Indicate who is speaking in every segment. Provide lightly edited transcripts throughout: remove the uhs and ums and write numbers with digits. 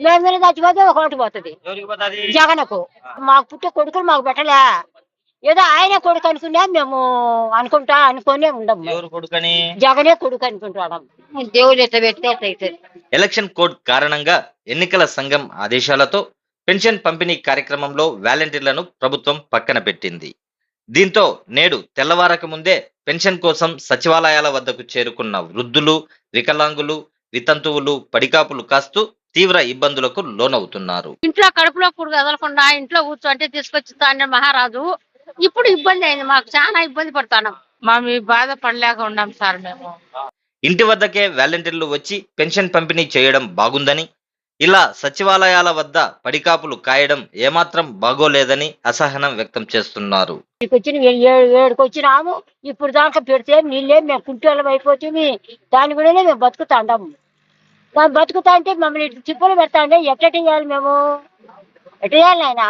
Speaker 1: మేము మీద చచ్చిపోతే ఒక ఓటు పోతుంది జగన్కు. మాకు పుట్టే కొడుకులు మాకు పెట్టలే, ఏదో ఆయనే కొడుకు అనుకున్నా మేము అనుకునే ఉండము. జగనే కొడుకు అనుకుంటాం. దేవుడు ఎట్లా పెడితే అట్లా అవుతుంది.
Speaker 2: ఎలక్షన్ కోడ్ కారణంగా ఎన్నికల సంఘం ఆదేశాలతో పెన్షన్ పంపిణీ కార్యక్రమంలో వాలంటీర్లను ప్రభుత్వం పక్కన పెట్టింది. దీంతో నేడు తెల్లవారక ముందే పెన్షన్ కోసం సచివాలయాల వద్దకు చేరుకున్న వృద్ధులు, వికలాంగులు, వితంతువులు పడికాపులు కాస్తూ తీవ్ర ఇబ్బందులకు లోనవుతున్నారు.
Speaker 1: ఇంట్లో కడుపులో పురుగు వదలకుండా ఇంట్లో కూర్చోంటే తీసుకొచ్చి తాండ్రి మహారాజు. ఇప్పుడు ఇబ్బంది అయింది, మాకు చాలా ఇబ్బంది పడతాం.
Speaker 3: మీ బాధ పడలేక ఉన్నాం సార్. మేము
Speaker 2: ఇంటి వద్దకే వాలంటీర్లు వచ్చి పెన్షన్ పంపిణీ చేయడం బాగుందని, ఇలా సచివాలయాల వద్ద పడికాపులు కాయడం ఏమాత్రం బాగోలేదని అసహనం వ్యక్తం చేస్తున్నారు.
Speaker 1: ఏడుకి వచ్చినాము, ఇప్పుడు దాకా పెడితే నీళ్ళే మేము కుంటోళ్ళం అయిపోతుంది. దాని కూడా మేము బతుకుతాండాము. దాన్ని బతుకుతా అంటే మమ్మల్ని చిప్పులు పెడతాండే ఎట్ట చేయాలి మేము? ఎట్ట చేయాలి ఆయన?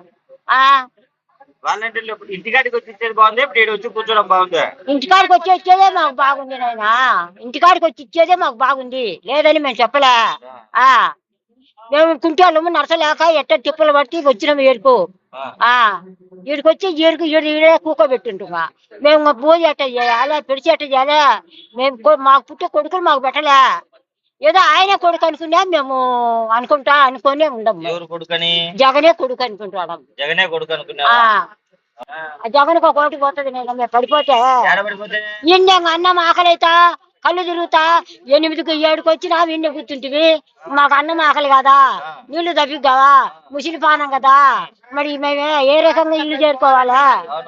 Speaker 2: ఇంటికాడికి వచ్చి ఇచ్చేది బాగుంది, ఇప్పుడు వచ్చి కూర్చోడం బాగుంది.
Speaker 1: ఇంటికాడికి వచ్చి ఇచ్చేదే మాకు బాగుంది నాయన, ఇంటికాడికి వచ్చి ఇచ్చేదే మాకు బాగుంది, లేదని మేము చెప్పలే. మేము కుంటోళ్ళము నడసలేక ఎట్ట తిప్పులు పట్టి వచ్చినాము ఏడుకు. ఈడికి వచ్చి ఈడే కూకోబెట్టింటుగా మేము పూజ ఎట్ట చేయాలా, పిడిచి ఎట్ట చేయాలా? మేము మాకు పుట్టే కొడుకులు మాకు పెట్టలే, ఏదో ఆయనే కొడుకు అనుకున్నా మేము అనుకునే ఉండము. జగనే కొడుకు అనుకుంటాం. జగన్కి ఒక ఓటు పోతుంది. నేను మేము పడిపోతే ఇన్నే అన్నం ఆకలి అవుతా కళ్ళు తిరుగుతా 8కి 7కి వచ్చినా ఇన్నే కూర్చుంటివి. మాకు అన్నం ఆకలి కదా, నీళ్లు తప్పి కదా, ముసిలి పానం కదా, మరి మేమే ఏ రకంగా ఇల్లు చేరుకోవాలా?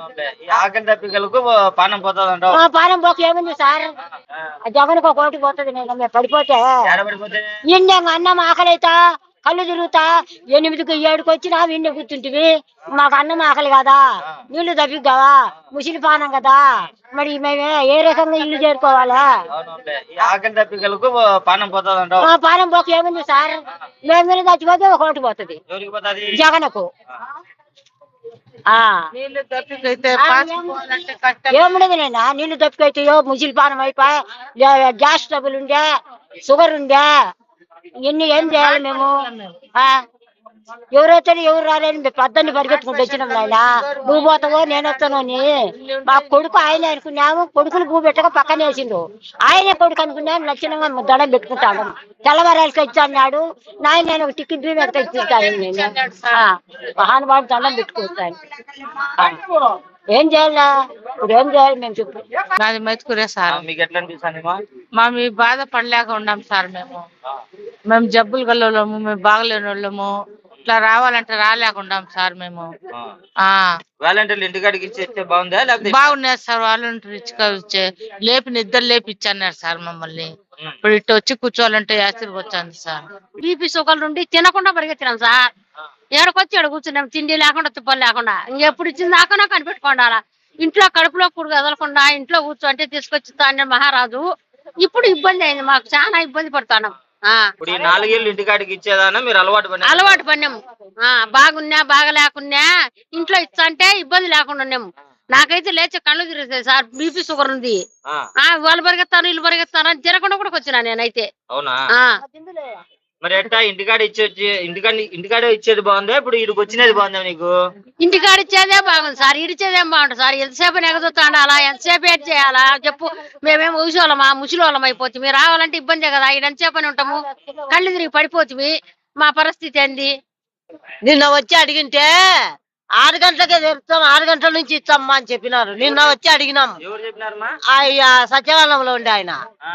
Speaker 1: పానం పోక ఏముంది సార్, జగన్కి ఒక ఓటు పోతుంది. నేను మేము పడిపోతే ఇన్నే అన్నం ఆకలి అవుతా కళ్ళు తిరుగుతా 8కి 7కి వచ్చినా ఇన్నే కూర్చుంటివి. మాకు అన్నం ఆకలి కదా, నీళ్లు తప్పి కదా, ముసిలి పానం కదా, మరి మేమే ఏ రకంగా ఇల్లు చేరుకోవాలా? పానం పోక ఏముంది సార్, మేము మీద చచ్చిపోతే ఒక ఓటు పోతుంది జగన్కు. ఏముండదు నైనా, నీళ్లు తప్పికైతాయో, ముసిలి పానం అయిపోయి, గ్యాస్ ట్రబుల్ ఉండే, షుగర్ ఉండే, ఇన్ని ఏం చేయాలి మేము? ఎవరైతే ఎవరు రాలేని పెద్దని పరిగెత్తుకుంటూ వచ్చినాం నాయన. నువ్వు పోతావో నేను వస్తాను అని మా కొడుకు ఆయన అనుకున్నాము. కొడుకులు భూ పెట్టక పక్కన వేసిండు, ఆయనే కొడుకు అనుకున్నాము. లక్షణంగా దండం పెట్టుకుంటాడు. తెల్లవారాలకి ఇచ్చాడు నాయన, నేను ఒక టికెట్ ఎక్కడ ఇచ్చేస్తాను. నేను మహానుభావుడు దండం పెట్టుకుంటాను. ఏం చేయాలా ఇప్పుడు? ఏం చేయాలి మేము చెప్పు?
Speaker 3: నాది మైతుకురే సార్.
Speaker 2: మీకు ఎట్లా అనిపిస్తుంది?
Speaker 3: మీ బాధ పడలేక ఉన్నాం సార్. మేము జబ్బులు గల్లోళ్ళము, మేము బాగలేని వాళ్ళము, ఇట్లా రావాలంటే రాలేకుండాం సార్. మేము
Speaker 2: వాలంటీర్లు ఇంటికాడికి ఇచ్చేస్తే బాగుందా?
Speaker 3: బాగున్నారు సార్. వాలంటీర్ ఇచ్చే నిద్ర లేపి ఇచ్చన్నారు సార్ మమ్మల్ని. ఇప్పుడు ఇటు వచ్చి కూర్చోవాలంటే యాసిరికి వచ్చింది సార్.
Speaker 1: బీపీ షుగర్ నుండి తినకుండా పరిగెత్తినాం సార్. ఏడకొచ్చి ఏడ కూర్చున్నాం, తిండి లేకుండా తుప్పలు లేకుండా. ఇంకెప్పుడు ఇచ్చింది దాకా కనిపెట్టుకోండాలా. ఇంట్లో కడుపులో పురుగు వదలకుండా ఇంట్లో కూర్చోంటే తీసుకొచ్చి తాండ్రి మహారాజు. ఇప్పుడు ఇబ్బంది అయింది, మాకు చాలా ఇబ్బంది పడతాం.
Speaker 2: 4 ఏళ్ళు ఇంటికాడికి ఇచ్చేదానా మీరు
Speaker 1: అలవాటు పడినాము. బాగున్నా బాగా లేకున్నా ఇంట్లో ఇచ్చా అంటే ఇబ్బంది లేకుండా ఉన్నాము. నాకైతే లేచే కళ్ళు తిరుగుతాయి సార్, బీపీ షుగర్ ఉంది. వాళ్ళు పరిగెత్తాను వీళ్ళు పరిగెత్తాను అని తినకుండా కూడా వచ్చినా నేనైతే.
Speaker 2: అవునా? మరి ఎట్టా ఇంటికాడ ఇంటికాడ ఇచ్చేది బాగుందా, ఇప్పుడు ఇడికి వచ్చినది బాగుందా నీకు?
Speaker 1: ఇంటికాడ ఇచ్చేదే బాగుంది సార్, ఇడిచేదేం బాగుంటుంది సార్. ఎంతసేపు ఎగదొత్తాండాలా, ఎంతసేపు ఏడ్ చేయాలా చెప్పు? మేమేం ఊసోళ్ళమా ముసలోళ్ళం అయిపోతుంది. మీరు రావాలంటే ఇబ్బందే కదా, ఇది ఎంతసేపని ఉంటాము, కళ్ళు తిరిగి పడిపోతుంది. మా పరిస్థితి ఏంది? నిన్న వచ్చి అడిగింటే 6 గంటలకే తెరుస్తాం, 6 గంటల నుంచి ఇస్తామ్మా అని చెప్పినారు. నిన్న వచ్చి అడిగినాం, సచివాలయంలో ఉండే ఆయన.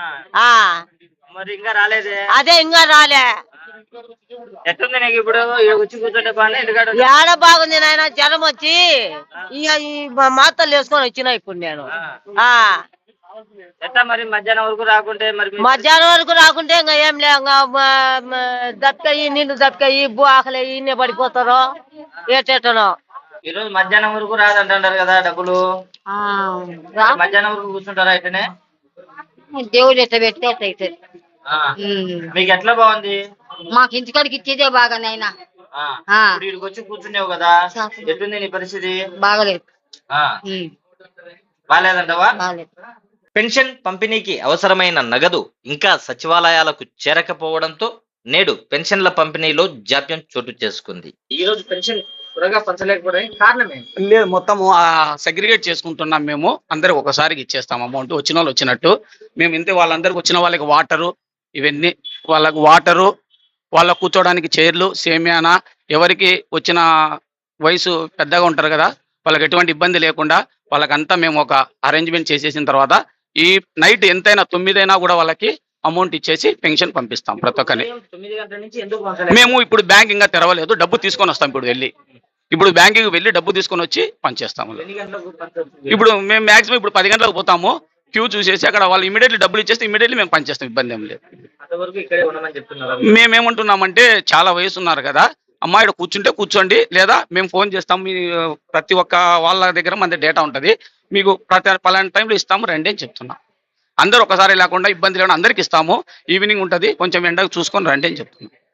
Speaker 1: అదే ఇంకా రాలే.
Speaker 2: ఎట్టుంది నీకు ఇప్పుడు వచ్చి కూర్చుంటే
Speaker 1: ఏడ బాగుంది నాయన, జ్వరం వచ్చి ఈ మాత్రలు వేసుకొని వచ్చినా ఇప్పుడు నేను.
Speaker 2: మరి మధ్యాహ్నం వరకు రాకుంటే
Speaker 1: ఇంకా ఏం లే, దప్పికయ్యి నీళ్ళు దప్పికయ్యి ఆకలి ఇన్నే పడిపోతారో ఏటేటనో.
Speaker 2: ఈరోజు మధ్యాహ్నం వరకు రాదంటారు కదా డబ్బులు, మధ్యాహ్నం వరకు కూర్చుంటారా? అయితేనే
Speaker 1: దేవుడు ఎట్లా పెడితే అట్లా అవుతుంది.
Speaker 2: మీకు ఎట్లా బాగుంది?
Speaker 1: మాకు ఇంటికాడికి ఇచ్చేదే బాగా నైనా.
Speaker 2: వచ్చి కూర్చున్నావు కదా, ఎట్లుంది నీ పరిస్థితి?
Speaker 1: బాగలేదు.
Speaker 2: బాగాలేదంటావా? పెన్షన్ పంపిణీకి అవసరమైన నగదు ఇంకా సచివాలయాలకు చేరకపోవడంతో నేడు పెన్షన్ల పంపిణీలో జాప్యం చోటు చేసుకుంది. ఈ రోజు పెన్షన్ త్వరగా పంచలేకపోవడానికి కారణం ఏంటి?
Speaker 4: లేదు, మొత్తము సెగ్రిగేట్ చేసుకుంటున్నాం. మేము అందరికి ఒకసారికి ఇచ్చేస్తాం అమౌంట్, వచ్చిన వాళ్ళు వచ్చినట్టు. మేము ఇంతే వాళ్ళందరికి వచ్చిన వాళ్ళకి వాటరు, ఇవన్నీ వాళ్ళకి వాటరు, వాళ్ళ కూర్చోడానికి చైర్లు, సేమియానా, ఎవరికి వచ్చిన వయసు పెద్దగా ఉంటారు కదా, వాళ్ళకి ఎటువంటి ఇబ్బంది లేకుండా వాళ్ళకంతా మేము ఒక అరేంజ్మెంట్ చేసేసిన తర్వాత ఈ నైట్ ఎంతైనా 9 అయినా కూడా వాళ్ళకి అమౌంట్ ఇచ్చేసి పెన్షన్ పంపిస్తాం ప్రతి ఒక్కరిని.
Speaker 2: 9 గంటల నుంచి ఎందుకు పంచలేదు?
Speaker 4: మేము ఇప్పుడు బ్యాంక్ ఇంకా తెరవలేదు, డబ్బు తీసుకొని వస్తాం. ఇప్పుడు బ్యాంకుకి వెళ్ళి డబ్బు తీసుకొని వచ్చి పనిచేస్తాము.
Speaker 2: ఎన్ని గంటలకు పంచవచ్చు?
Speaker 4: ఇప్పుడు మేము మాక్సిమం ఇప్పుడు 10 గంటలకు పోతాము, క్యూ చూసేసి అక్కడ వాళ్ళు ఇమీడియట్లీ డబ్బులు ఇచ్చేస్తే ఇమీడియట్లీ మేము పనిచేస్తాం, ఇబ్బంది ఏం లేదు.
Speaker 2: అంతవరకు ఇక్కడే ఉండమని చెప్తున్నారు.
Speaker 4: మేమేమంటున్నామంటే చాలా వయసు ఉన్నారు కదా, అమ్మాయి కూర్చుంటే కూర్చోండి, లేదా మేము ఫోన్ చేస్తాం. మీ ప్రతి ఒక్క వాళ్ళ దగ్గర మన డేటా ఉంటుంది, మీకు పలానా టైంలో ఇస్తాము రండి అని చెప్తున్నాం. అందరూ ఒకసారి లేకుండా ఇబ్బంది లేకుండా అందరికి ఇస్తాము. ఈవినింగ్ ఉంటుంది, కొంచెం ఎండకు చూసుకొని రండి అని చెప్తున్నాం.